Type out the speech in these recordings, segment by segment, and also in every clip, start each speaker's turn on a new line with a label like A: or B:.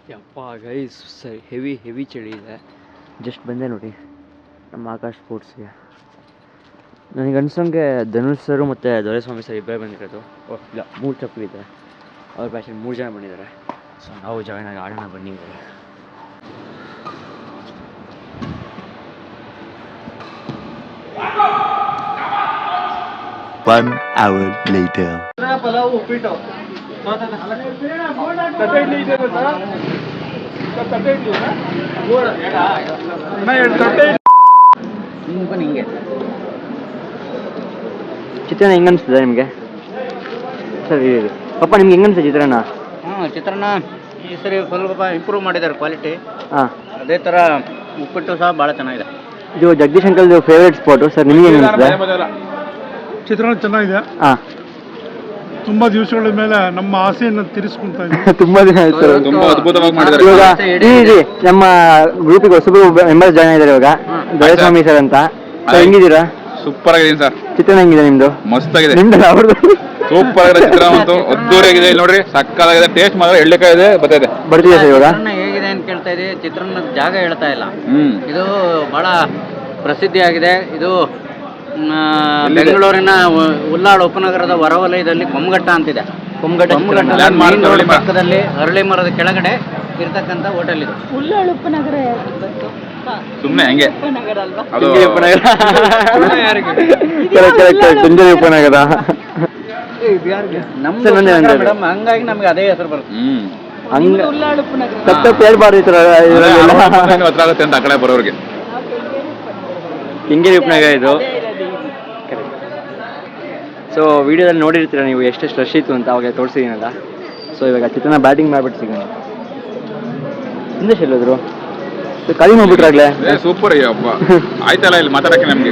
A: ಯಪ್ಪ ಗೈಸ್ ಸರಿ ಹೆವಿ ಚಳಿ ಇದೆ. ಜಸ್ಟ್ ಬಂದೆ ನೋಡಿ ನಮ್ಮ ಆಕಾಶ್ ಸ್ಪೋರ್ಟ್ಸ್ಗೆ. ನನಗೆ ಅನ್ಸಂಗೆ ಧನುಷ್ ಸರು ಮತ್ತು ದೊರೆಸ್ವಾಮಿ ಸರ್ ಇಬ್ಬರೇ ಬಂದಿರೋದು. ಓಹ್ ಇಲ್ಲ, 3 ಚಪ್ಪು ಇದೆ. ಅವ್ರ ಬ್ಯಾಚಲ್ಲಿ 3 ಜನ ಬಂದಿದ್ದಾರೆ. ಸೊ ನಾವು ಜಾಯ್ನ್ ಆಗಿ ಆಡೋಣ ಬನ್ನಿ.
B: 1 hour later.
A: ಚಿತ್ರಾನ್ನ ಹೆಂಗೆ ಅನಿಸ್ತದೆ ನಿಮಗೆ ಸರಿ ಪಪ್ಪ? ನಿಮ್ಗೆ ಹೆಂಗೆ ಅನಿಸ್ತದೆ ಚಿತ್ರಾನ್ನ?
C: ಚಿತ್ರಾನ್ನ ಈ ಸರಿ ಸ್ವಲ್ಪ ಇಂಪ್ರೂವ್ ಮಾಡಿದ್ದಾರೆ ಕ್ವಾಲಿಟಿ.
A: ಹಾಂ,
C: ಅದೇ ಥರ ಉಪ್ಪಿಟ್ಟು ಸಹ ಭಾಳ ಚೆನ್ನಾಗಿದೆ.
A: ಇದು ಜಗದೀಶ್ ಅಂಕಲ್ದು ಫೇವ್ರೇಟ್ ಸ್ಪಾಟು ಸರ್. ನಿಮಗೆ ಹೆಂಗೆ ಅನಿಸ್ತದೆ?
D: ಚಿತ್ರಾನ್ನ ಚೆನ್ನಾಗಿದೆ.
A: ಹಾಂ,
D: ತುಂಬ ದಿವಸಗಳ ಮೇಲೆ ನಮ್ಮ ಆಸೆಯನ್ನು ತೀರಿಸ್ಕೊಂತ ಇದ್ದೀವಿ.
A: ತುಂಬ ದಿನ ಆಯ್ತು.
E: ತುಂಬಾ ಅದ್ಭುತವಾಗಿ ಮಾಡಿದ್ದಾರೆ.
A: ಇವಾಗ ನಮ್ಮ ಗ್ರೂಪಿಗೆ ಹೊಸಬ್ರು ಮೆಂಬರ್ಸ್ ಜಾಯ್ನ್ ಆಗಿದ್ದಾರೆ ಇವಾಗ. ದೊರೆಸ್ವಾಮಿ ಸರ್ ಅಂತ. ಸೊ ಹೆಂಗಿದ್ದೀರಾ?
E: ಸೂಪರ್ ಆಗಿದೆ ಸರ್.
A: ಚಿತ್ರಾನ್ನ ಹೆಂಗಿದೆ ನಿಮ್ದು?
E: ಮಸ್ತ್ ಆಗಿದೆ.
A: ನಿಮ್ದು ಅವ್ರದ್ದು
E: ಸೂಪರ್ ಆಗಿದೆ ಚಿತ್ರಾನ್ನ ಅಂತೂ. ಅದ್ದೂರಿಯಾಗಿದೆ. ಇಲ್ಲಿ ನೋಡ್ರಿ, ಸಕ್ಕತ್ತಾಗಿದೆ. ಟೇಸ್ಟ್ ಮಾತ್ರ ಎಳ್ಳೆಕಾಯಿ ಇದೆ, ಬರ್ತಿದೆ.
A: ಬರ್ತಿದೆ ಸರ್ ಇವಾಗ.
C: ಚಿತ್ರಾನ್ನ ಹೇಗಿದೆ ಅಂತ ಕೇಳ್ತಾ ಇದೆ. ಚಿತ್ರಾನ್ನದ ಜಾಗ ಹೇಳ್ತಾ ಇಲ್ಲ. ಇದು ಬಹಳ ಪ್ರಸಿದ್ಧಿಯಾಗಿದೆ. ಇದು ಬೆಂಗಳೂರಿನ ಉಲ್ಲಾಳ ಉಪನಗರದ ಹೊರವಲಯದಲ್ಲಿ ಕೊಮ್ಮಘಟ್ಟ ಅಂತಿದೆ. ಕೊಮ್ಮಘಟ್ಟ ಪಕ್ಕದಲ್ಲಿ ಅರಳಿ ಮರದ ಕೆಳಗಡೆ ಇರ್ತಕ್ಕಂಥ ಹೋಟೆಲ್ ಇದು.
F: ಉಲ್ಲಾಳ ಉಪನಗರ
E: ಸುಮ್ಮನೆ ಹಂಗೆ ಅದು
A: ಕುಂಜಲಿ ಉಪನಗರ.
C: ಮೇಡಮ್, ಹಂಗಾಗಿ ನಮ್ಗೆ ಅದೇ ಹೆಸರು ಬರುತ್ತೆ.
F: ಉಲ್ಲಾಳ ಉಪನಗರ
A: ತಪ್ಪು ಹೇಳ್ಬಾರ್ದು ಈ ಥರ
E: ಹತ್ರ ಆಗುತ್ತೆ ಅಂತ ಆ ಕಡೆ ಬರೋರಿಗೆ.
A: ಕೆಂಗೇರಿ ಉಪನಗರ ಇದು. ಸೊ ವಿಡಿಯೋದಲ್ಲಿ ನೋಡಿರ್ತೀರ ನೀವು ಎಷ್ಟೆಷ್ಟು ರಶ್ ಇತ್ತು ಅಂತ, ಅವಾಗ ತೋರಿಸಿದ್ದೀನಲ್ಲ. ಸೊ ಇವಾಗ ಚಿತ್ರಾನ್ನ ಬ್ಯಾಟಿಂಗ್ ಮಾಡ್ಬಿಟ್ಟು ಸಿಗೋಣ. ಹಿಂದೆ ಎಲ್ಲೋದ್ರು ಖಾಲಿ ಮಾಡ್ಬಿಟ್ರಾಗ್ಲೇ.
E: ಸೂಪರ್ ಅಯ್ಯಪ್ಪ. ಆಯ್ತಲ್ಲ, ಇಲ್ಲಿ ಮಾತಾಡಕ್ಕೆ ನಮ್ಗೆ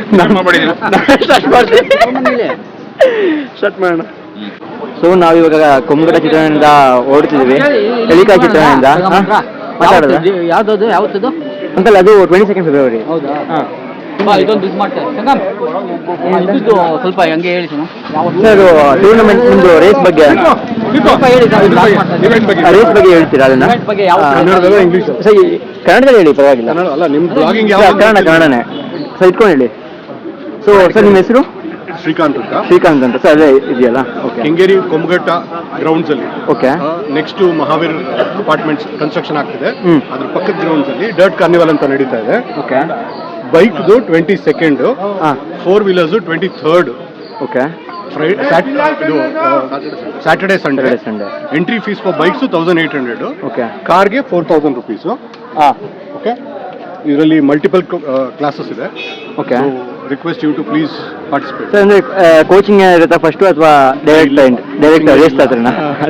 A: ಸ್ಟಾರ್ಟ್ ಮಾಡೋಣ. ಸೊ ನಾವು ಇವಾಗ ಕೊಮ್ಮಘಟ್ಟ ಚಿತ್ರಾನ್ನದಿಂದ ಓಡ್ತಿದ್ದೀವಿ. ಎಳಿಕಾಯಿ ಚಿತ್ರಾನ್ನದಿಂದ ಮಾತಾಡೋದು.
C: ಯಾವತ್ತದು
A: ಅಂಕಲ್ ಅದು 22 ಫೆಬ್ರವರಿ.
C: ಹೌದಾ? ಹಾಂ, ಇದೊಂದು ಇದು ಮಾಡ್ತಾರೆ. ಸ್ವಲ್ಪ ಹಂಗೆ ಹೇಳಿ
A: ಸರ್. ಟೂರ್ನಮೆಂಟ್ ನಿಮ್ದು ರೇಸ್ ಬಗ್ಗೆ ಹೇಳ್ತೀರಾ? ಅದನ್ನ ಸರ್ ಕನ್ನಡದಲ್ಲಿ ಹೇಳಿ, ಪರವಾಗಿಲ್ಲ. ಕನ್ನಡನೇ ಸರ್, ಇಟ್ಕೊಂಡು ಹೇಳಿ. ಸೊ ಸರ್ ನಿಮ್ಮ ಹೆಸರು? ಶ್ರೀಕಾಂತ್ ಅಂತ ಸರ್. ಅದೇ ಇದೆಯಲ್ಲ? ಓಕೆ.
D: ಕೆಂಗೇರಿ ಕೊಮ್ಮಘಟ್ಟ ಗ್ರೌಂಡ್ಸ್ ಅಲ್ಲಿ.
A: Okay.
D: Next Mahaveer apartments construction ಆಗ್ತಿದೆ. ಅದ್ರ ಪಕ್ಕದ ಗ್ರೌಂಡ್ಸ್ ಅಲ್ಲಿ ಡರ್ಟ್ ಕಾರ್ನಿವಲ್ ಅಂತ ನಡೀತಾ ಇದೆ.
A: ಓಕೆ.
D: ಬೈಕ್ದು 22nd, 4 wheelers 23rd.
A: Okay.
D: Saturday Sunday. Entry fees for bikes 1800.
A: Okay.
D: ಕಾರ್ಗೆ 4000 ರುಪೀಸ್. ಓಕೆ. ಇದರಲ್ಲಿ ಮಲ್ಟಿಪಲ್ ಕ್ಲಾಸಸ್ ಇದೆ.
A: Okay.
D: Request you to please participate.
A: Sir ಅಂದ್ರೆ ಕೋಚಿಂಗ್ ಇರುತ್ತಾ ಫಸ್ಟು, ಅಥವಾ ಡೈರೆಕ್ಟ್ ರೇಸ್ ತರನ?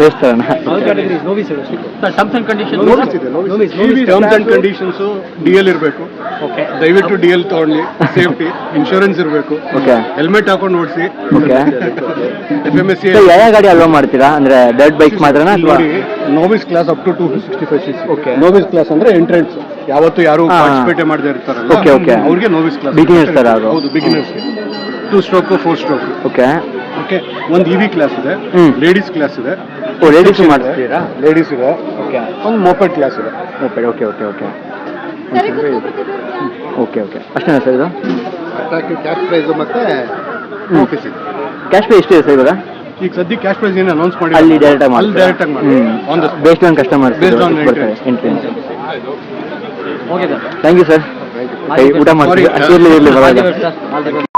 C: Terms and condition
D: terms and conditions DL ಇರಬೇಕು. ದಯವಿಟ್ಟು DL ತಗೊಳ್ಳಿ. ಸೇಫ್ಟಿ ಇನ್ಶೂರೆನ್ಸ್ ಇರಬೇಕು.
A: ಓಕೆ.
D: ಹೆಲ್ಮೆಟ್ ಹಾಕೊಂಡು ಓಡಿಸಿ.
A: ಓಕೆ.
D: FMSC
A: ಯಾವ ಗಾಡಿ ಅಲೋ ಮಾಡ್ತೀರಾ? ಅಂದ್ರೆ ಡರ್ಟ್ ಬೈಕ್ ಮಾತ್ರನಾ ಅಥವಾ
D: novice class up to 265 cc?
A: Okay.
D: Novice class ಅಂದ್ರೆ ಎಂಟ್ರೆನ್ಸ್, ಯಾವತ್ತು ಯಾರು ಪಾರ್ಟಿಸಿಪೇಟ್ ಮಾಡದೇ ಇರ್ತಾರಲ್ಲ ಅವ್ರಿಗೆ ನೋವಿಸ್ ಕ್ಲಾಸ್.
A: ಬಿಗಿನರ್ಸ್ ತರ ಅದು?
D: ಹೌದು, beginners. 2 stroke 4 stroke.
A: Okay.
D: Okay. ಒಂದು EV ಕ್ಲಾಸ್ ಇದೆ, ಲೇಡೀಸ್ ಕ್ಲಾಸ್ ಇದೆ.
A: ಲೇಡೀಸ್ ಮಾಡ್ತೀರಾ?
D: ಲೇಡೀಸ್ ಇದೆ.
A: ಓಕೆ.
D: ಒಂದು ಮೋಪೆಡ್ ಕ್ಲಾಸ್ ಇದೆ.
A: ಮೋಪೆಡ್. ಓಕೆ. ಅಷ್ಟೇನಾ ಸರ್ ಇದು?
D: ಕ್ಯಾಶ್ ಪ್ರೈಸ್ ಮತ್ತೆ ಆಫೀಸ್ ಇದೆ.
A: ಕ್ಯಾಶ್ ಪೇ ಎಷ್ಟಿದೆ ಸರ್ ಇವಾಗ?
D: ಈಗ ಸದ್ಯ ಕ್ಯಾಶ್ ಪ್ರೈಸ್ ಏನು ಅನೌನ್ಸ್ ಮಾಡಿ
A: ಅಲ್ಲಿ ಡೈರೆಕ್ಟ್ ಆಗಿ
D: ಮಾಡಿ
A: based on customers entrance. Thank you sir. ಊಟ ಮಾಡ್ತೀವಿ. ಇರಲಿ.